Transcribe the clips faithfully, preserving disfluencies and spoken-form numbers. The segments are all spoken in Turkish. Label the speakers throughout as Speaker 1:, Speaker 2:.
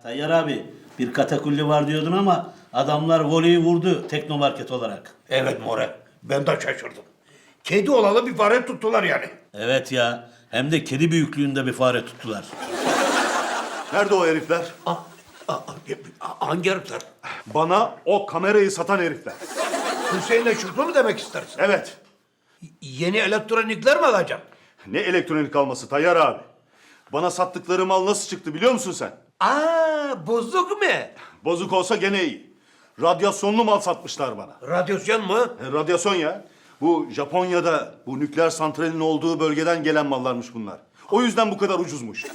Speaker 1: Tayyar abi bir katakulli var diyordun ama adamlar voleyi vurdu teknomarket olarak.
Speaker 2: Evet More, ben de şaşırdım. Kedi olalı bir fare tuttular yani.
Speaker 1: Evet ya, hem de kedi büyüklüğünde bir fare tuttular.
Speaker 3: Nerede o herifler?
Speaker 2: Aa, aa, aa, hangi herifler?
Speaker 3: Bana o kamerayı satan herifler.
Speaker 2: Hüseyin'le Şükrü mü demek istersin?
Speaker 3: Evet.
Speaker 2: Yeni elektronikler mi alacağım?
Speaker 3: Ne elektronik alması Tayyar abi? Bana sattıkları mal nasıl çıktı biliyor musun sen?
Speaker 2: Aa, bozuk mu?
Speaker 3: Bozuk olsa gene iyi. Radyasyonlu mal satmışlar bana.
Speaker 2: Radyasyon mu?
Speaker 3: E, radyasyon ya. Bu Japonya'da bu nükleer santralin olduğu bölgeden gelen mallarmış bunlar. O yüzden bu kadar ucuzmuş.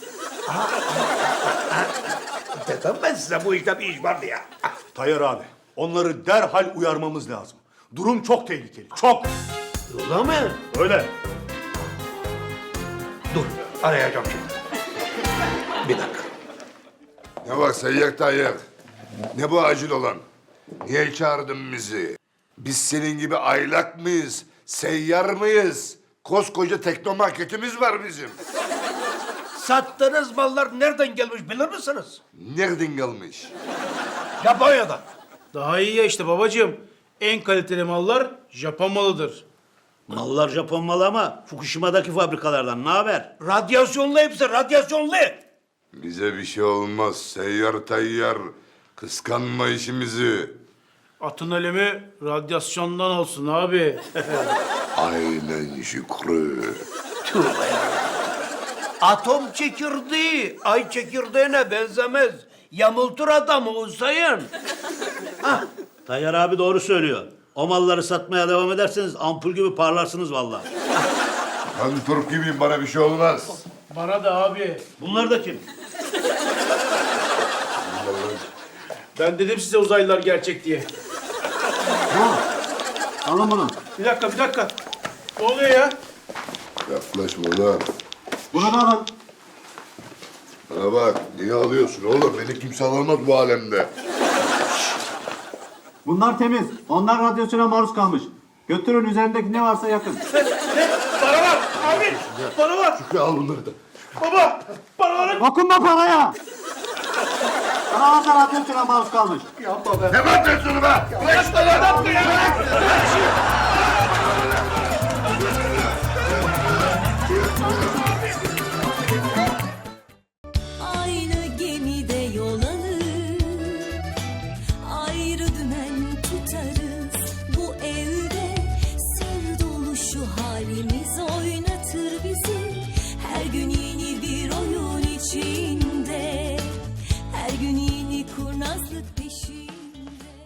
Speaker 2: Dedim ben size bu işte bir iş vardı ya.
Speaker 3: Tayyar abi, onları derhal uyarmamız lazım. Durum çok tehlikeli, çok.
Speaker 2: Öyle mi?
Speaker 3: Öyle.
Speaker 2: Dur, arayacağım şimdi. Bir dakika.
Speaker 4: Ne var Seyyar Tayyar? Ne bu acil olan? Niye çağırdın bizi? Biz senin gibi aylak mıyız? Seyyar mıyız? Koskoca teknomarketimiz var bizim.
Speaker 2: Sattığınız mallar nereden gelmiş bilir misiniz?
Speaker 4: Nereden gelmiş?
Speaker 2: Japonya'dan.
Speaker 5: Daha iyi ya işte babacığım. En kaliteli mallar Japon malıdır.
Speaker 1: Mallar Japon malı ama Fukushima'daki fabrikalardan ne haber?
Speaker 2: Radyasyonlu hepsi, radyasyonlu.
Speaker 4: Bize bir şey olmaz Seyyar Tayyar. Kıskanma işimizi.
Speaker 5: Atın ölümü radyasyondan olsun abi.
Speaker 4: Aynen Şükrü.
Speaker 2: Tövbe ya. Atom çekirdeği, ay çekirdeğine benzemez. Yamultur adamı Hüseyin.
Speaker 1: Tayyar abi doğru söylüyor. O malları satmaya devam ederseniz ampul gibi parlarsınız vallahi.
Speaker 4: Ben Türk gibiyim, bana bir şey olmaz.
Speaker 5: Bana da abi.
Speaker 1: Bunlar da kim?
Speaker 5: Ben dedim size uzaylılar gerçek diye.
Speaker 1: Alın bunu.
Speaker 5: Bir dakika bir dakika. Ne oluyor ya?
Speaker 4: Yaklaşma lan.
Speaker 1: Bunu da alın.
Speaker 4: Bana bak, niye alıyorsun oğlum? Beni kimse alamaz bu alemde.
Speaker 6: Bunlar temiz. Onlar radyasyona maruz kalmış. Götürün, üzerindeki ne varsa yakın.
Speaker 5: Bana bak abi. Bana bak.
Speaker 4: Şükrü al bunları da.
Speaker 5: Baba. Bana bak.
Speaker 6: Dokunma paraya! Bana varsa radyasyona maruz kalmış.
Speaker 4: Ne bakıyorsun be?
Speaker 7: Aynı gemide yol alır, ayrı dümen tutarız. Bu evde sır dolu şu halimiz oynatır bizi. Her gün yeni bir oyun içinde, her gün yeni kurnazlık peşinde.